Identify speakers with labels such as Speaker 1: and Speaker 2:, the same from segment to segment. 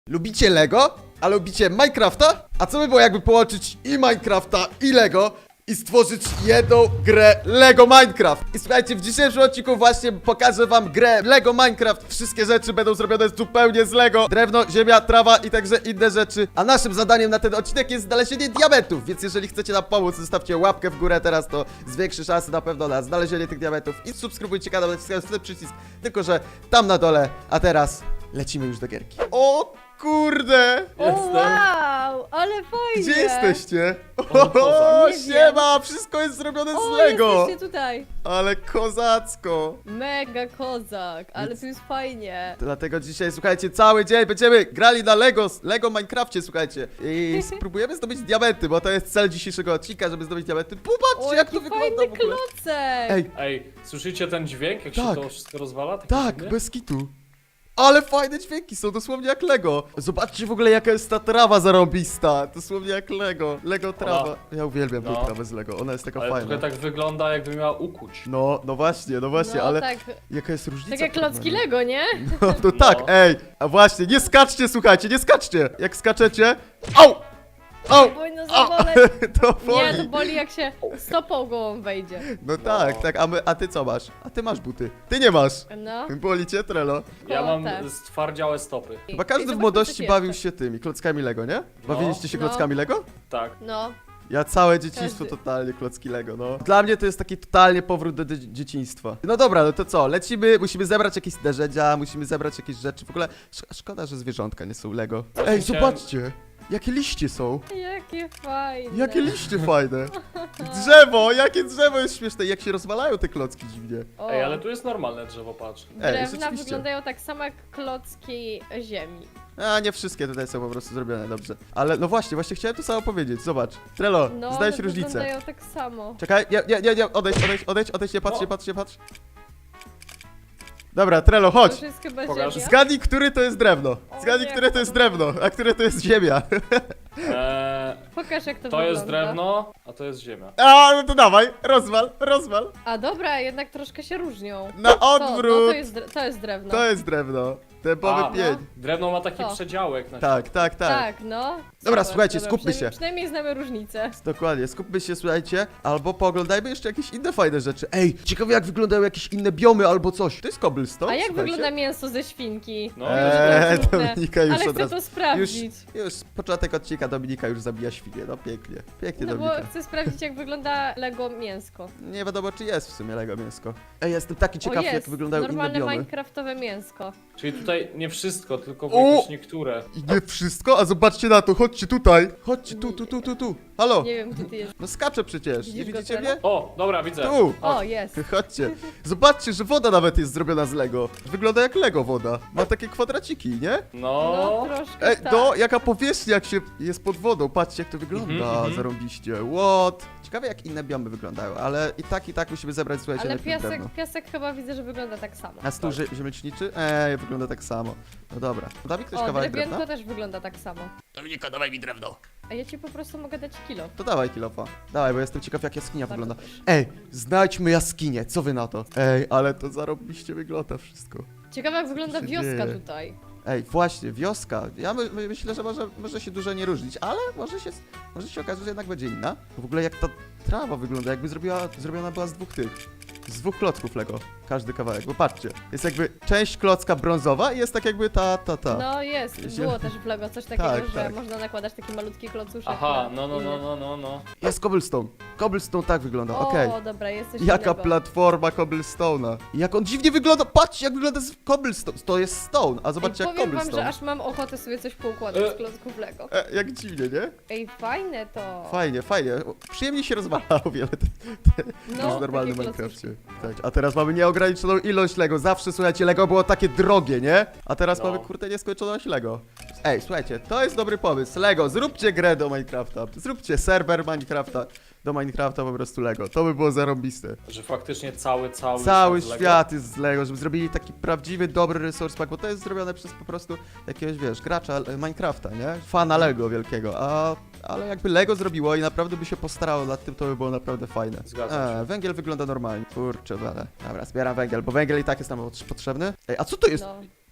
Speaker 1: Lubicie Lego? A lubicie Minecrafta? A co by było jakby połączyć i Minecrafta i Lego i stworzyć jedną grę Lego Minecraft? I słuchajcie, w dzisiejszym odcinku właśnie pokażę wam grę Lego Minecraft. Wszystkie rzeczy będą zrobione zupełnie z Lego. Drewno, ziemia, trawa i także inne rzeczy. A naszym zadaniem na ten odcinek jest znalezienie diamentów. Więc jeżeli chcecie nam pomóc, zostawcie łapkę w górę teraz, to zwiększy szanse na pewno na znalezienie tych diamentów. I subskrybujcie kanał, naciskając ten przycisk, tylko że tam na dole. A teraz lecimy już do gierki. O kurde!
Speaker 2: O, wow, ale fajnie!
Speaker 1: Gdzie jesteście?
Speaker 3: kozak.
Speaker 1: O,
Speaker 2: Nie
Speaker 1: siema! Wszystko jest zrobione
Speaker 2: O,
Speaker 1: z Lego!
Speaker 2: jesteście tutaj!
Speaker 1: Ale kozacko!
Speaker 2: Mega kozak, ale tu jest fajnie.
Speaker 1: Dlatego dzisiaj, słuchajcie, cały dzień będziemy grali na Lego Minecrafcie, słuchajcie. I spróbujemy zdobyć diamenty, bo to jest cel dzisiejszego odcinka, żeby zdobyć diamenty. Popatrzcie,
Speaker 2: O,
Speaker 1: jak to
Speaker 2: jaki
Speaker 1: wygląda
Speaker 2: fajny
Speaker 1: w ogóle.
Speaker 2: klocek!
Speaker 1: Ej,
Speaker 3: Ej, słyszycie ten dźwięk, jak
Speaker 1: Tak.
Speaker 3: się to wszystko rozwala? Taki
Speaker 1: tak,
Speaker 3: dziwny?
Speaker 1: bez kitu. Ale fajne dźwięki są, dosłownie jak Lego. Zobaczcie w ogóle, jaka jest ta trawa zarąbista. Dosłownie jak Lego. Lego trawa. Ja uwielbiam tą
Speaker 3: No.
Speaker 1: trawę z Lego, ona jest taka
Speaker 3: Ale
Speaker 1: fajna.
Speaker 3: trochę tak wygląda, jakby miała ukuć.
Speaker 1: No właśnie,
Speaker 2: No
Speaker 1: ale
Speaker 2: tak,
Speaker 1: jaka jest różnica?
Speaker 2: tak jak
Speaker 1: w porównaniu?
Speaker 2: klocki Lego, nie?
Speaker 1: No to tak, ej, a właśnie, nie skaczcie, słuchajcie, nie skaczcie. Jak skaczecie, au, au,
Speaker 2: Powinno
Speaker 1: au,
Speaker 2: zaboleć.
Speaker 1: to
Speaker 2: Nie, to
Speaker 1: boli.
Speaker 2: boli jak się stopą gołą wejdzie.
Speaker 1: No tak, a ty co masz? A ty masz buty. Ty nie masz.
Speaker 2: No.
Speaker 1: Boli cię, Trello.
Speaker 3: Ja
Speaker 2: O,
Speaker 3: mam
Speaker 2: tak.
Speaker 3: stwardziałe stopy.
Speaker 1: Chyba każdy w
Speaker 2: zobaczmy,
Speaker 1: młodości
Speaker 2: co ci
Speaker 1: bawił
Speaker 2: jeszcze.
Speaker 1: się tymi klockami Lego, nie? Bawiliście się
Speaker 2: No.
Speaker 1: klockami Lego?
Speaker 3: Tak.
Speaker 2: No,
Speaker 1: Ja całe dzieciństwo
Speaker 2: Każdy.
Speaker 1: totalnie klocki Lego, no. Dla mnie to jest taki totalnie powrót do dzieciństwa. No dobra, no to co? Lecimy, musimy zebrać jakieś narzędzia, musimy zebrać jakieś rzeczy. W ogóle szkoda, że zwierzątka nie są Lego. Ej,
Speaker 3: Chciałem-
Speaker 1: zobaczcie! Jakie liście są!
Speaker 2: jakie fajne.
Speaker 1: Jakie liście fajne! Drzewo! Jakie drzewo jest śmieszne! Jak się rozwalają te klocki dziwnie.
Speaker 2: O,
Speaker 3: Ej, ale tu jest normalne drzewo, patrz.
Speaker 2: drewna
Speaker 1: rzeczywiście.
Speaker 2: wyglądają tak samo jak klocki ziemi.
Speaker 1: A nie wszystkie tutaj są po prostu zrobione dobrze. Ale no właśnie chciałem to samo powiedzieć. Zobacz. Trello,
Speaker 2: No,
Speaker 1: znajdź
Speaker 2: one
Speaker 1: różnicę.
Speaker 2: wyglądają tak samo.
Speaker 1: Czekaj, nie, odejdź, nie patrz,
Speaker 3: O.
Speaker 1: nie patrz. Dobra, Trello,
Speaker 2: To
Speaker 1: chodź.
Speaker 2: już jest chyba
Speaker 3: Pokaż.
Speaker 2: ziemia.
Speaker 1: Zgadnij, który to jest drewno.
Speaker 2: O
Speaker 1: Zgadnij,
Speaker 2: nie,
Speaker 1: które to jest drewno, a które to jest ziemia.
Speaker 2: Pokaż jak to
Speaker 3: To
Speaker 2: wygląda.
Speaker 3: jest drewno, a to jest ziemia.
Speaker 1: A, no to dawaj, rozwal.
Speaker 2: A dobra, jednak troszkę się różnią.
Speaker 1: Na
Speaker 2: To
Speaker 1: odwrót.
Speaker 2: to jest drewno.
Speaker 1: To jest drewno. Dębowy
Speaker 3: A,
Speaker 1: pień.
Speaker 3: Drewno ma taki
Speaker 2: To.
Speaker 3: przedziałek na
Speaker 1: Tak.
Speaker 2: Tak, no.
Speaker 1: Dobra,
Speaker 2: Super,
Speaker 1: słuchajcie,
Speaker 2: dobra,
Speaker 1: skupmy się.
Speaker 2: Przynajmniej znamy różnicę.
Speaker 1: Dokładnie, skupmy się, słuchajcie, albo pooglądajmy jeszcze jakieś inne fajne rzeczy. Ej, ciekawe jak wyglądają jakieś inne biomy albo coś. To jest cobblestone,
Speaker 2: A jak
Speaker 1: słuchajcie.
Speaker 2: wygląda mięso ze świnki?
Speaker 3: No,
Speaker 1: Dominika już
Speaker 2: Ale
Speaker 1: od
Speaker 2: chcę
Speaker 1: razu.
Speaker 2: to sprawdzić.
Speaker 1: Już początek odcinka, Dominika już zabija świnię, no pięknie. Pięknie,
Speaker 2: No bo
Speaker 1: Dominika.
Speaker 2: chcę sprawdzić jak wygląda Lego mięsko.
Speaker 1: Nie wiadomo czy jest w sumie Lego mięsko. Ej, jestem taki
Speaker 2: O,
Speaker 1: ciekaw
Speaker 2: jest.
Speaker 1: jak wyglądają inne
Speaker 2: Normalne
Speaker 1: biomy.
Speaker 2: minecraftowe mięsko.
Speaker 3: Czyli tutaj nie wszystko, tylko
Speaker 1: O!
Speaker 3: jakieś niektóre.
Speaker 1: I nie wszystko? A zobaczcie na to, chodźcie tutaj. Chodźcie tu. Halo.
Speaker 2: Nie wiem gdzie ty jest.
Speaker 1: No skaczę przecież, nie
Speaker 2: Widzisz go,
Speaker 1: widzicie
Speaker 2: Trello?
Speaker 1: mnie?
Speaker 3: O, dobra, widzę.
Speaker 1: Tu.
Speaker 2: O, jest.
Speaker 1: Chodźcie. Zobaczcie, że woda nawet jest zrobiona z Lego. Wygląda jak Lego woda. Ma takie kwadraciki, nie?
Speaker 3: No,
Speaker 2: No troszkę
Speaker 1: Ej,
Speaker 2: tak.
Speaker 1: no, jaka powierzchnia jak się jest pod wodą. Patrzcie jak to wygląda,
Speaker 3: Mhm.
Speaker 1: zarąbiście. What? Ciekawe jak inne biomy wyglądają, ale i tak musimy zebrać, słuchajcie,
Speaker 2: Ale
Speaker 1: najpierw drewno.
Speaker 2: piasek chyba widzę, że wygląda tak samo.
Speaker 1: A stół ziemleczniczy? Wygląda tak samo. No dobra. Da mi ktoś
Speaker 2: O,
Speaker 1: kawałek
Speaker 2: drewienko
Speaker 1: drewna?
Speaker 2: też wygląda tak samo.
Speaker 1: Dominika, dawaj mi drewno.
Speaker 2: A ja ci po prostu mogę dać kilo.
Speaker 1: To dawaj kilofa. Dawaj, bo jestem ciekaw jak jaskinia
Speaker 2: Bardzo
Speaker 1: wygląda.
Speaker 2: proszę.
Speaker 1: Ej, znajdźmy jaskinię, co wy na to? Ej, ale to zarobiście wygląda wszystko.
Speaker 2: Ciekawe jak wygląda
Speaker 1: się
Speaker 2: wioska
Speaker 1: dzieje?
Speaker 2: tutaj.
Speaker 1: Ej, właśnie, wioska. Ja myślę, że może się dużo nie różnić, ale może się okazać, że jednak będzie inna. W ogóle jak ta trawa wygląda, jakby zrobiona była z z dwóch klocków Lego. Każdy kawałek, bo patrzcie. Jest jakby część klocka brązowa i jest tak jakby ta.
Speaker 2: No jest,
Speaker 1: Ziel-
Speaker 2: było też w Lego coś takiego,
Speaker 1: Tak,
Speaker 2: że
Speaker 1: tak.
Speaker 2: można nakładać taki malutki klocuszek.
Speaker 3: Aha,
Speaker 2: na
Speaker 3: no.
Speaker 2: inny.
Speaker 1: Jest cobblestone. Cobblestone tak wygląda,
Speaker 2: O,
Speaker 1: okej.
Speaker 2: dobra, jest coś
Speaker 1: Jaka
Speaker 2: innego.
Speaker 1: platforma cobblestone'a. I jak on dziwnie wygląda, patrzcie jak wygląda z cobblestone. To jest stone, a zobaczcie
Speaker 2: Ej,
Speaker 1: jak
Speaker 2: powiem wam,
Speaker 1: cobblestone.
Speaker 2: że aż mam ochotę sobie coś poukładać z klocków Lego.
Speaker 1: Jak dziwnie, nie?
Speaker 2: Ej, fajne to.
Speaker 1: Fajnie. Przyjemnie się rozwala o wiele
Speaker 2: No,
Speaker 1: niż w normalnym
Speaker 2: takie
Speaker 1: Minecrafcie. Tak, a teraz mamy nieograniczoną ilość Lego. Zawsze, słuchajcie, Lego było takie drogie, nie? A teraz
Speaker 3: No.
Speaker 1: mamy, kurde, nieskończoność Lego. Ej, słuchajcie, to jest dobry pomysł. Lego, zróbcie grę do Minecrafta. Zróbcie serwer Minecrafta. Do Minecrafta po prostu Lego. To by było zarąbiste.
Speaker 3: Że faktycznie cały
Speaker 1: Cały
Speaker 3: z Lego.
Speaker 1: świat jest z Lego, żeby zrobili taki prawdziwy, dobry resource pack, bo to jest zrobione przez po prostu jakiegoś, wiesz, gracza Minecrafta, nie? Fana Lego wielkiego, ale jakby Lego zrobiło i naprawdę by się postarało nad tym, to by było naprawdę fajne.
Speaker 3: Zgadzam się.
Speaker 1: Węgiel wygląda normalnie. Kurczę, ale. Dobra, zbieram węgiel, bo węgiel i tak jest nam potrzebny. Ej, a co to jest?
Speaker 2: No.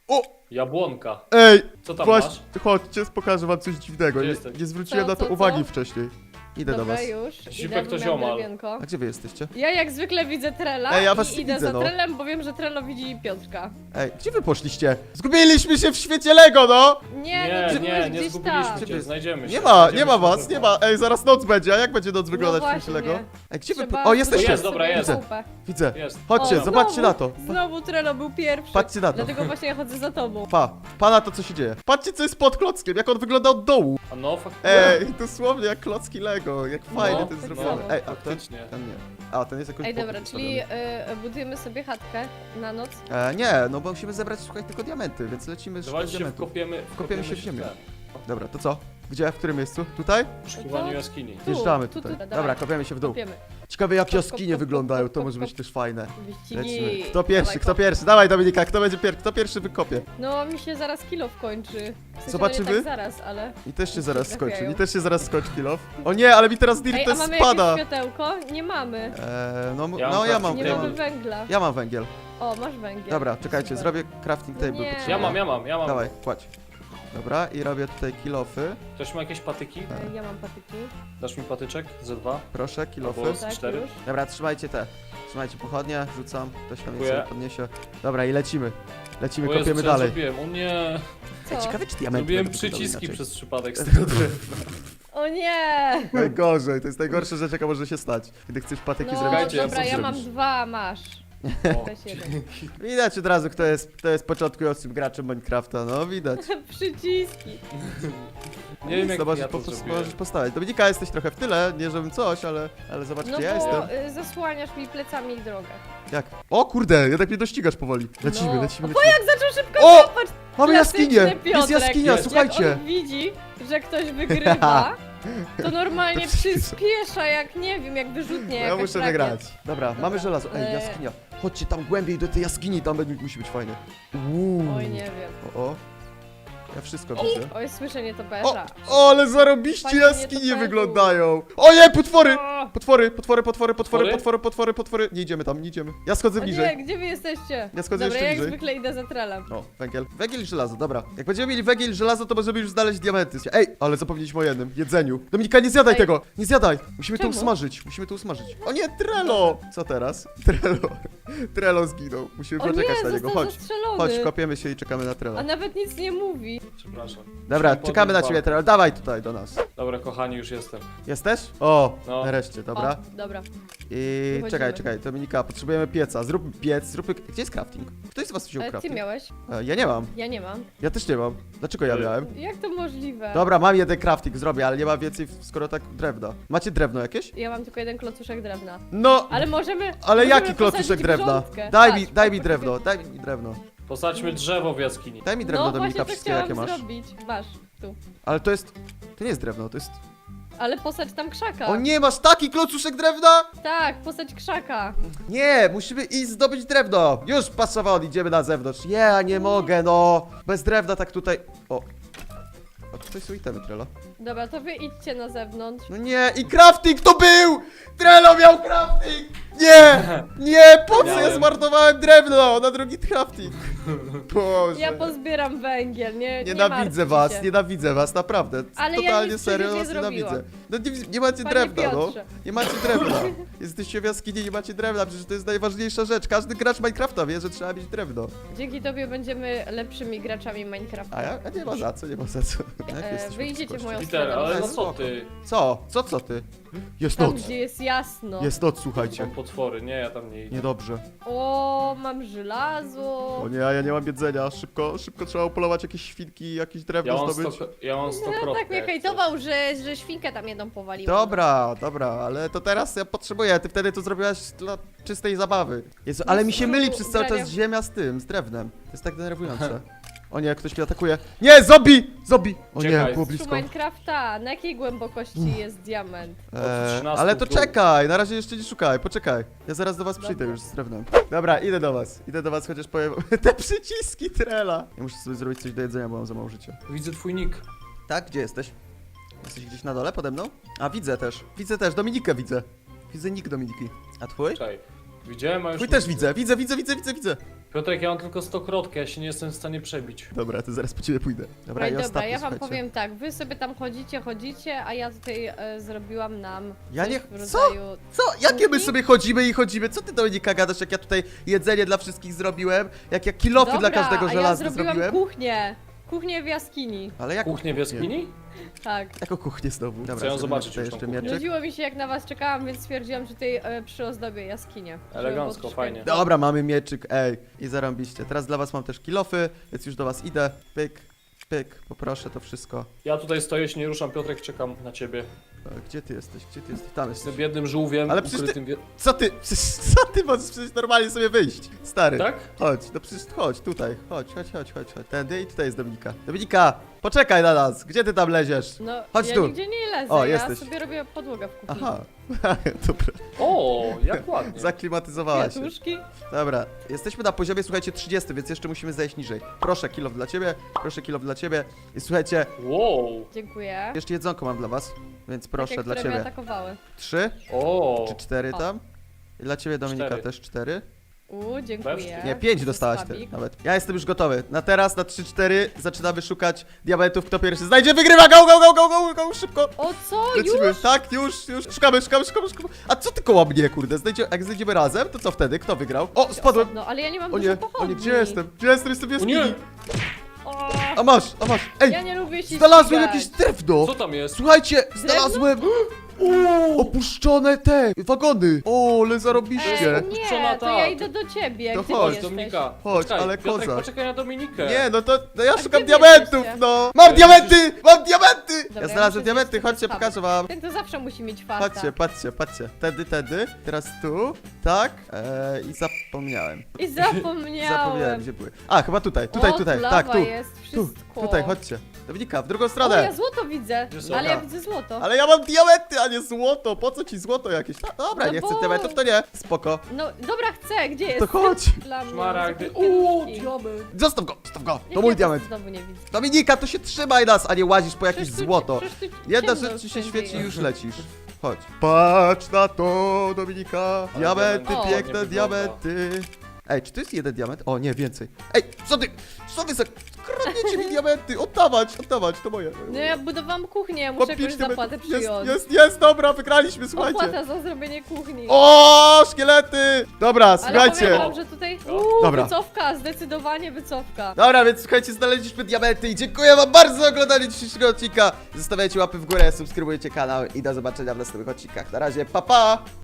Speaker 1: O!
Speaker 3: Jabłonka.
Speaker 1: Ej!
Speaker 3: Co tam
Speaker 1: Właśnie,
Speaker 3: masz?
Speaker 1: chodźcie, pokażę wam coś dziwnego.
Speaker 3: Gdzie
Speaker 1: Nie,
Speaker 3: jesteś?
Speaker 1: nie zwróciłem
Speaker 2: Co,
Speaker 1: na to
Speaker 2: co,
Speaker 1: uwagi
Speaker 2: co?
Speaker 1: wcześniej. Idę do
Speaker 2: Dobra,
Speaker 1: was.
Speaker 2: już.
Speaker 3: Zipek
Speaker 2: Idę,
Speaker 3: to
Speaker 2: bo miałam
Speaker 3: ziomal.
Speaker 2: drewienko.
Speaker 1: A gdzie wy jesteście?
Speaker 2: Ja jak zwykle widzę Trela
Speaker 1: Ej, ja was
Speaker 2: i idę
Speaker 1: widzę,
Speaker 2: za
Speaker 1: no.
Speaker 2: Trelem, bo wiem, że Trello widzi Piotrka.
Speaker 1: Ej, gdzie wy poszliście? Zgubiliśmy się w świecie Lego, no!
Speaker 2: Nie, no
Speaker 3: Nie,
Speaker 2: byłeś
Speaker 3: nie
Speaker 2: gdzieś
Speaker 3: zgubiliśmy
Speaker 2: tam.
Speaker 3: cię, znajdziemy się.
Speaker 1: Nie ma
Speaker 3: Znajdziemy
Speaker 1: was,
Speaker 3: się
Speaker 1: nie
Speaker 3: chyba.
Speaker 1: ma. Ej, zaraz noc będzie, a jak będzie noc wyglądać w
Speaker 2: właśnie.
Speaker 1: świecie Lego? Ej, gdzie wy...
Speaker 2: Trzeba
Speaker 1: O, jesteście!
Speaker 3: Tu jest, dobra,
Speaker 2: sobie
Speaker 3: jest.
Speaker 1: Widzę.
Speaker 2: kupę.
Speaker 1: Widzę.
Speaker 3: Jest.
Speaker 1: Chodźcie,
Speaker 2: O,
Speaker 1: zobaczcie
Speaker 2: znowu,
Speaker 1: na to.
Speaker 2: Znowu Trello był pierwszy.
Speaker 1: Patrzcie na to.
Speaker 2: Dlatego właśnie ja chodzę za tobą.
Speaker 1: Pa na to, co się dzieje. Patrzcie, co jest pod klockiem, jak on wygląda od dołu.
Speaker 3: A no, faktycznie.
Speaker 1: Ej, dosłownie jak klocki Lego, jak fajnie to jest
Speaker 2: tak
Speaker 1: zrobione.
Speaker 2: samo.
Speaker 1: Ej, a ten?
Speaker 3: Faktycznie.
Speaker 1: Ten nie. A, ten jest jakoś
Speaker 2: Ej,
Speaker 1: bokiem
Speaker 2: dobra,
Speaker 1: postawiony.
Speaker 2: czyli budujemy sobie chatkę na noc.
Speaker 1: Nie, no bo musimy zebrać, słuchaj, tylko diamenty, więc lecimy szukać
Speaker 3: Dawajcie się
Speaker 1: diamentów.
Speaker 3: wkopiemy
Speaker 1: się w ziemię.
Speaker 3: ten.
Speaker 1: Dobra, to co? Gdzie? W którym miejscu? Tutaj?
Speaker 3: W poszukiwaniu jaskini.
Speaker 2: Tu,
Speaker 1: Wjeżdżamy
Speaker 2: tu,
Speaker 1: tutaj.
Speaker 2: dawaj.
Speaker 1: Dobra, kopiemy się w dół.
Speaker 2: Kopiemy.
Speaker 1: Ciekawe jak
Speaker 2: Kop, kop,
Speaker 1: jaskinie
Speaker 2: kop,
Speaker 1: wyglądają,
Speaker 2: kop,
Speaker 1: to
Speaker 2: kop,
Speaker 1: może być
Speaker 2: kop.
Speaker 1: też fajne.
Speaker 2: Wyścigi.
Speaker 1: Lecimy. Kto pierwszy,
Speaker 2: Dawaj,
Speaker 1: kto
Speaker 2: kop.
Speaker 1: pierwszy? Dawaj Dominika, kto pierwszy wykopie.
Speaker 2: No, mi się zaraz kilo wkończy. W sensie,
Speaker 1: Zobaczymy?
Speaker 2: No nie tak zaraz, ale...
Speaker 1: I też się zaraz skończy,
Speaker 2: trafiają.
Speaker 1: i też się zaraz skończy kilof. O nie, ale mi teraz
Speaker 2: Ej,
Speaker 1: dirt
Speaker 2: a mamy
Speaker 1: spada.
Speaker 2: jakieś światełko? Nie mamy.
Speaker 3: Ja mam
Speaker 1: No ja mam,
Speaker 2: Nie
Speaker 3: Table.
Speaker 2: mamy węgla.
Speaker 1: ja mam węgiel.
Speaker 2: O, masz węgiel.
Speaker 1: Dobra, czekajcie,
Speaker 2: Super.
Speaker 1: zrobię crafting table.
Speaker 2: Nie.
Speaker 1: potrzebuję.
Speaker 3: Ja mam.
Speaker 1: Dawaj, kładź. Dobra, i robię tutaj kilofy.
Speaker 3: Ktoś ma jakieś patyki?
Speaker 2: Ja mam patyki.
Speaker 3: Dasz mi patyczek? Z dwa?
Speaker 1: Proszę, kilofy.
Speaker 3: Albo-
Speaker 2: Tak,
Speaker 3: 4.
Speaker 2: już.
Speaker 1: Dobra, trzymajcie te. Trzymajcie pochodnie, rzucam. Ktoś tam je
Speaker 3: Dziękuję.
Speaker 1: sobie podniesie. Dobra, i lecimy. Lecimy,
Speaker 3: O Jezu,
Speaker 1: kopiemy
Speaker 3: co ja
Speaker 1: dalej.
Speaker 3: zrobiłem? O nie!
Speaker 2: Co?
Speaker 1: Ej, ciekawe czy diamenty
Speaker 3: Zrobiłem
Speaker 1: będą wyglądały
Speaker 3: przyciski
Speaker 1: inaczej.
Speaker 3: przez przypadek z tego drewna.
Speaker 2: O nie!
Speaker 1: Najgorzej, to jest najgorsza rzecz jaka może się stać. Kiedy chcesz patyki
Speaker 2: No,
Speaker 1: zrobić.
Speaker 3: Czekajcie, ja
Speaker 2: dobra,
Speaker 3: co
Speaker 2: ja mam
Speaker 3: zrobisz?
Speaker 2: 2, masz.
Speaker 3: O,
Speaker 2: Weź jeden.
Speaker 1: Widać od razu kto jest początkującym graczem Minecrafta, no widać.
Speaker 2: Przyciski.
Speaker 3: nie wiem jak
Speaker 1: Zobaczysz,
Speaker 3: ja to zrobiłem.
Speaker 1: możesz postawić. Dominika, jesteś trochę w tyle, nie żebym coś, ale zobacz
Speaker 2: No
Speaker 1: gdzie ja
Speaker 2: bo
Speaker 1: jestem.
Speaker 2: zasłaniasz mi plecami drogę.
Speaker 1: Jak? O kurde, jednak mnie dościgasz powoli. Lecimy,
Speaker 2: No.
Speaker 1: lecimy,
Speaker 2: O,
Speaker 1: lecimy.
Speaker 2: jak zaczął szybko
Speaker 1: O!
Speaker 2: kopać!
Speaker 1: Mamy
Speaker 2: Klasyczny
Speaker 1: jaskinię! Jest
Speaker 2: Piotrek.
Speaker 1: jaskinia,
Speaker 3: Jest.
Speaker 1: słuchajcie!
Speaker 2: Jak on widzi, że ktoś wygrywa, to normalnie
Speaker 1: To przyspiesza.
Speaker 2: przyspiesza, jak nie wiem, jak wyrzutnie
Speaker 1: Ja
Speaker 2: jakaś
Speaker 1: muszę
Speaker 2: rakiet.
Speaker 1: wygrać. Dobra, mamy żelazo. Ej,
Speaker 2: Eee.
Speaker 1: jaskinia. Chodźcie tam głębiej do tej jaskini, tam musi być fajnie.
Speaker 2: Oj, nie wiem.
Speaker 1: O. Ja wszystko widzę.
Speaker 2: Oj, słyszę
Speaker 1: O,
Speaker 2: nietoperza.
Speaker 1: o, ale zarobiście
Speaker 2: Fajnie
Speaker 1: jaskinie
Speaker 2: nietoperzu.
Speaker 1: wyglądają. O nie, potwory!
Speaker 2: O,
Speaker 1: Potwory. Nie idziemy tam, nie idziemy. Ja schodzę
Speaker 2: o nie,
Speaker 1: bliżej.
Speaker 2: gdzie wy jesteście?
Speaker 1: Ja schodzę
Speaker 2: Dobra,
Speaker 1: jeszcze
Speaker 2: ja jak
Speaker 1: bliżej.
Speaker 2: zwykle idę za trelem.
Speaker 1: O, węgiel. Węgiel i żelazo, dobra. Jak będziemy mieli węgiel i żelazo, to możemy już znaleźć diamenty. Ej, ale zapomnieliśmy o jednym. Jedzeniu. Dominika, nie zjadaj
Speaker 2: Ej.
Speaker 1: tego! Nie zjadaj! Musimy to
Speaker 2: Czemu?
Speaker 1: usmażyć. O nie, Trello! Co teraz? Trello zginął. Musimy
Speaker 2: O nie,
Speaker 1: poczekać na niego.
Speaker 2: został
Speaker 1: Chodź.
Speaker 2: zastrzelony.
Speaker 1: Chodź, kopiemy się i czekamy na Trello.
Speaker 2: A nawet nic nie mówi.
Speaker 3: Przepraszam.
Speaker 1: Dobra,
Speaker 3: Musimy
Speaker 1: czekamy na
Speaker 3: podnieść
Speaker 1: ciebie,
Speaker 3: walkę.
Speaker 1: Trello. Dawaj tutaj do nas.
Speaker 3: Dobra, kochani, już jestem.
Speaker 1: Jesteś? O,
Speaker 3: No.
Speaker 1: nareszcie, dobra.
Speaker 2: O, dobra.
Speaker 1: I
Speaker 2: Wychodzimy.
Speaker 1: czekaj, Dominika, potrzebujemy pieca. Zróbmy piec, Gdzie jest crafting? Ktoś z was wziął
Speaker 2: Ale ty
Speaker 1: crafting?
Speaker 2: miałeś?
Speaker 1: Ja nie mam.
Speaker 2: Ja nie mam.
Speaker 1: Ja też nie mam. Dlaczego ja miałem?
Speaker 2: Jak to możliwe?
Speaker 1: Dobra, mam jeden crafting, zrobię, ale nie mam więcej, skoro tak drewna. Macie drewno jakieś?
Speaker 2: Ja mam tylko jeden klocuszek drewna.
Speaker 1: No,
Speaker 2: Ale możemy.
Speaker 1: ale
Speaker 2: możemy
Speaker 1: jaki klocuszek
Speaker 2: posadzić
Speaker 1: drewna?
Speaker 2: grządkę.
Speaker 1: Daj
Speaker 2: Patrz,
Speaker 1: mi
Speaker 2: patrz,
Speaker 1: drewno, daj mi drewno.
Speaker 3: Posadźmy drzewo w jaskini.
Speaker 1: Daj mi drewno,
Speaker 2: No
Speaker 1: Dominika,
Speaker 2: właśnie to
Speaker 1: wszystkie
Speaker 2: chciałam
Speaker 1: jakie masz.
Speaker 2: zrobić. Masz, tu.
Speaker 1: Ale to nie jest drewno, to jest...
Speaker 2: Ale posadź tam krzaka.
Speaker 1: O nie, masz taki klocuszek drewna?
Speaker 2: Tak, posadź krzaka.
Speaker 1: Nie, musimy iść zdobyć drewno. Już, pasowon, idziemy na zewnątrz. Ja nie mogę, no. Bez drewna tak tutaj... O. A tutaj są itemy, Trello.
Speaker 2: Dobra, to wy idźcie na zewnątrz.
Speaker 1: No nie, i crafting to był! Trello miał crafting! Nie! Nie, po co ja
Speaker 3: Miałem.
Speaker 1: zmarnowałem drewno na drugi crafting? Boże.
Speaker 2: Ja pozbieram węgiel, nie
Speaker 1: Nienawidzę was, nienawidzę was, naprawdę.
Speaker 2: Ale ja
Speaker 1: Totalnie
Speaker 2: nic
Speaker 1: serio
Speaker 2: przecież
Speaker 1: was
Speaker 2: nie
Speaker 1: nienawidzę.
Speaker 2: zrobiłam.
Speaker 1: No nie macie
Speaker 2: Panie
Speaker 1: drewna, no.
Speaker 2: Piotrze.
Speaker 1: Nie macie drewna. Jesteście w jaskini, nie macie drewna, przecież to jest najważniejsza rzecz. Każdy gracz Minecrafta wie, że trzeba mieć drewno.
Speaker 2: Dzięki tobie będziemy lepszymi graczami Minecrafta.
Speaker 1: A nie ma za co, nie ma za co. Jak jesteśmy
Speaker 2: Wy idziecie w
Speaker 1: przyszłości?
Speaker 2: moją
Speaker 3: Peter,
Speaker 2: stronę.
Speaker 3: ale
Speaker 1: no
Speaker 3: no co
Speaker 1: spoko.
Speaker 3: ty?
Speaker 1: Co ty? Jest
Speaker 2: Tam,
Speaker 1: noc.
Speaker 2: gdzie jest jasno.
Speaker 1: Jest noc, słuchajcie.
Speaker 3: Są potwory, nie, ja tam nie idę.
Speaker 1: Niedobrze.
Speaker 2: O, mam żelazo.
Speaker 1: O nie, a ja nie mam jedzenia. Szybko trzeba upolować jakieś świnki, jakieś drewno zdobyć.
Speaker 3: Ja mam 100
Speaker 2: No
Speaker 3: kropek.
Speaker 2: tak mnie hejtował, że świnkę tam jedną powaliła.
Speaker 1: Dobra, ale to teraz ja potrzebuję. Ty wtedy to zrobiłaś dla czystej zabawy. Jezu, ale mi się myli przez cały czas ziemia z drewnem. To jest tak denerwujące. O nie, ktoś mnie atakuje. Nie, zombie! O nie,
Speaker 3: Czekaj.
Speaker 1: było
Speaker 2: Z
Speaker 1: blisko.
Speaker 2: Minecrafta, na jakiej głębokości jest diament?
Speaker 3: Od 13
Speaker 1: Ale to
Speaker 3: w dół.
Speaker 1: czekaj, na razie jeszcze nie szukaj, poczekaj. Ja zaraz do was przyjdę już z drewnem. Dobra, idę do was, chociaż powiem... Te przyciski Trela. Ja muszę sobie zrobić coś do jedzenia, bo mam za mało życia.
Speaker 3: Widzę twój nick.
Speaker 1: Tak, gdzie jesteś? Jesteś gdzieś na dole pode mną? A, widzę też, Dominikę widzę. Widzę nick Dominiki. A twój?
Speaker 3: Czekaj. Widziałem, a już
Speaker 1: Twój
Speaker 3: nie
Speaker 1: też
Speaker 3: widzę.
Speaker 1: widzę.
Speaker 3: Piotrek, ja mam tylko 100 krotkę, ja się nie jestem w stanie przebić.
Speaker 1: Dobra, to zaraz po ciebie pójdę. Dobra,
Speaker 2: Ej,
Speaker 1: i
Speaker 2: dobra,
Speaker 1: ostatni,
Speaker 2: ja wam
Speaker 1: słuchajcie.
Speaker 2: powiem tak, wy sobie tam chodzicie, a ja tutaj zrobiłam nam
Speaker 1: Ja
Speaker 2: coś
Speaker 1: nie-
Speaker 2: w
Speaker 1: co?
Speaker 2: rodzaju...
Speaker 1: Co? Jakie my
Speaker 2: Kuchni?
Speaker 1: sobie chodzimy i chodzimy? Co ty, Dominika, gadasz, jak ja tutaj jedzenie dla wszystkich zrobiłem? Jak ja kilofy dla
Speaker 2: Dobra,
Speaker 1: każdego
Speaker 2: a ja
Speaker 1: żelazne
Speaker 2: zrobiłam
Speaker 1: zrobiłem?
Speaker 2: kuchnię w jaskini.
Speaker 1: Ale jak
Speaker 3: Kuchnię w jaskini?
Speaker 2: Tak.
Speaker 1: Jako kuchnię znowu. Dobra,
Speaker 3: Chcę ją
Speaker 1: zrobimy
Speaker 3: zobaczyć
Speaker 1: tutaj
Speaker 3: już tą
Speaker 1: jeszcze
Speaker 3: kuchnię.
Speaker 1: mieczyk.
Speaker 2: Nudziło mi się jak na was czekałam, więc stwierdziłam, że tutaj przyozdobię jaskinię. Żeby
Speaker 3: Elegancko,
Speaker 2: było
Speaker 3: fajnie.
Speaker 2: troszkę-
Speaker 1: Dobra, mamy mieczyk, ej. I zarąbiście. Teraz dla was mam też kilofy, więc już do was idę. Pyk, pyk, poproszę to wszystko.
Speaker 3: Ja tutaj stoję, się nie ruszam, Piotrek, czekam na ciebie.
Speaker 1: Gdzie ty jesteś? Gdzie ty jesteś? Tam
Speaker 3: Z tym
Speaker 1: jesteś.
Speaker 3: biednym żółwiem
Speaker 1: Ale przecież ty-
Speaker 3: ukrytym...
Speaker 1: Co ty? Przecież, co ty możesz przecież normalnie sobie wyjść? Stary.
Speaker 3: Tak?
Speaker 1: Chodź, no przecież chodź, tutaj. Chodź. Tędy i tutaj jest Dominika. Dominika, poczekaj na nas. Gdzie ty tam leziesz?
Speaker 2: No,
Speaker 1: Chodź
Speaker 2: ja
Speaker 1: tu.
Speaker 2: nigdzie nie lezę,
Speaker 1: O,
Speaker 2: ja
Speaker 1: jesteś.
Speaker 2: sobie robię podłogę w kuchni.
Speaker 1: Aha. Dobra,
Speaker 3: O, jak ładnie.
Speaker 1: zaklimatyzowałaś się.
Speaker 2: Kwiatuszki.
Speaker 1: Dobra, jesteśmy na poziomie, słuchajcie, 30, więc jeszcze musimy zejść niżej. Proszę, kilof dla ciebie, proszę, kilof dla ciebie. I słuchajcie,
Speaker 3: Wow.
Speaker 2: Dziękuję.
Speaker 1: jeszcze jedzonko mam dla was, więc proszę,
Speaker 2: Takie,
Speaker 1: dla
Speaker 2: które mnie
Speaker 1: ciebie.
Speaker 2: atakowały.
Speaker 1: 3
Speaker 3: O.
Speaker 1: czy 4
Speaker 2: O.
Speaker 1: tam? I dla ciebie, Dominika,
Speaker 3: 4.
Speaker 1: też 4.
Speaker 2: Dziękuję.
Speaker 1: Nie, 5 dostałaś ty,
Speaker 2: Słabik.
Speaker 1: nawet. Ja jestem już gotowy. Na teraz, na 3-4 zaczynamy szukać diamentów. Kto pierwszy znajdzie, wygrywa! Go, szybko!
Speaker 2: O co?
Speaker 1: Lecimy,
Speaker 2: Już?
Speaker 1: tak, już. Szukamy. A co ty koło mnie, kurde? Jak znajdziemy razem, to co wtedy? Kto wygrał? O, spadłem!
Speaker 2: No, ale ja nie mam
Speaker 1: O
Speaker 2: dużo
Speaker 1: nie,
Speaker 2: pochodni.
Speaker 1: gdzie jestem? Jestem w
Speaker 3: O
Speaker 1: jaskini.
Speaker 3: nie.
Speaker 2: O,
Speaker 1: A masz. Ej,
Speaker 2: ja nie lubię się
Speaker 1: znalazłem
Speaker 2: ścigać.
Speaker 1: jakieś drewno!
Speaker 3: Co tam jest?
Speaker 1: Słuchajcie, znalazłem opuszczone te wagony. O, ale zarobiście.
Speaker 2: Ej,
Speaker 3: Puszczona
Speaker 2: nie, to ja
Speaker 3: ta.
Speaker 2: idę do ciebie.
Speaker 1: To
Speaker 2: Gdzie
Speaker 1: chodź,
Speaker 2: ty jesteś?
Speaker 3: Dominika.
Speaker 1: Chodź,
Speaker 3: Poczekaj,
Speaker 1: ale
Speaker 3: Piotrek,
Speaker 1: koza.
Speaker 3: poczekaj na Dominikę.
Speaker 1: Nie, no ja szukam
Speaker 2: gdzie wy
Speaker 1: diamentów,
Speaker 2: jesteście?
Speaker 1: no! Mam diamenty! Mam diamenty!
Speaker 2: Dobra,
Speaker 1: Ja
Speaker 2: ja
Speaker 1: znalazłem
Speaker 2: muszę
Speaker 1: diamenty,
Speaker 2: zjeść
Speaker 1: chodźcie,
Speaker 2: sobie
Speaker 1: pokażę wam.
Speaker 2: Ten to zawsze musi mieć farta.
Speaker 1: Patrzcie. Tedy. Teraz tu, tak. I zapomniałem.
Speaker 2: I zapomniałem.
Speaker 1: Gdzie były. A, chyba tutaj,
Speaker 2: O,
Speaker 1: tak,
Speaker 2: lawa
Speaker 1: tu.
Speaker 2: jest wszystko.
Speaker 1: Tutaj, chodźcie. Dominika, w drugą
Speaker 2: O, ja
Speaker 1: stronę.
Speaker 2: złoto widzę,
Speaker 3: Gdzie są?
Speaker 2: ale ja
Speaker 1: Dobra.
Speaker 2: widzę złoto.
Speaker 1: Ale ja mam diamenty, a nie złoto. Po co ci złoto jakieś? Dobra,
Speaker 2: No
Speaker 1: nie chcę
Speaker 2: bo-
Speaker 1: diamentów, to nie. Spoko.
Speaker 2: No, dobra, chcę, gdzie jest?
Speaker 1: To chodź.
Speaker 2: Dla mnie.
Speaker 3: Szmaragdy.
Speaker 2: Za
Speaker 3: O,
Speaker 2: kwiatuszki.
Speaker 3: diament.
Speaker 1: Zostaw go. To
Speaker 2: Jak
Speaker 1: mój
Speaker 2: ja
Speaker 1: diament.
Speaker 2: Znowu nie widzę.
Speaker 1: Dominika, to się trzymaj nas, a nie łazisz po jakieś
Speaker 2: Przecież tu-
Speaker 1: złoto.
Speaker 2: przecież tu
Speaker 1: Jedna
Speaker 2: ciemno
Speaker 1: rzecz ci się
Speaker 2: wszędzie
Speaker 1: świeci i
Speaker 2: jest.
Speaker 1: już lecisz. Chodź. Patrz na to, Dominika.
Speaker 3: Ale
Speaker 1: Diamenty,
Speaker 3: diament
Speaker 1: piękne
Speaker 3: ładnie
Speaker 1: diamenty. Ej, czy to jest jeden diament? O, nie, więcej. Ej, co wy za... Kradniecie mi diamenty. Oddawać, to moje.
Speaker 2: No ja budowałam kuchnię, ja
Speaker 1: Mam
Speaker 2: muszę
Speaker 1: 5
Speaker 2: jakąś zapłatę
Speaker 1: diamentów.
Speaker 2: przyjąć.
Speaker 1: Jest, dobra, wygraliśmy, słuchajcie.
Speaker 2: Opłata za zrobienie kuchni.
Speaker 1: O, szkielety! Dobra,
Speaker 2: Ale
Speaker 1: słuchajcie.
Speaker 2: powiem wam, że tutaj
Speaker 1: Dobra.
Speaker 2: wycofka, zdecydowanie wycofka.
Speaker 1: Dobra, więc słuchajcie, znaleźliśmy diamenty i dziękuję wam bardzo za oglądanie dzisiejszego odcinka. Zostawiajcie łapy w górę, subskrybujcie kanał i do zobaczenia w następnych odcinkach. Na razie, pa!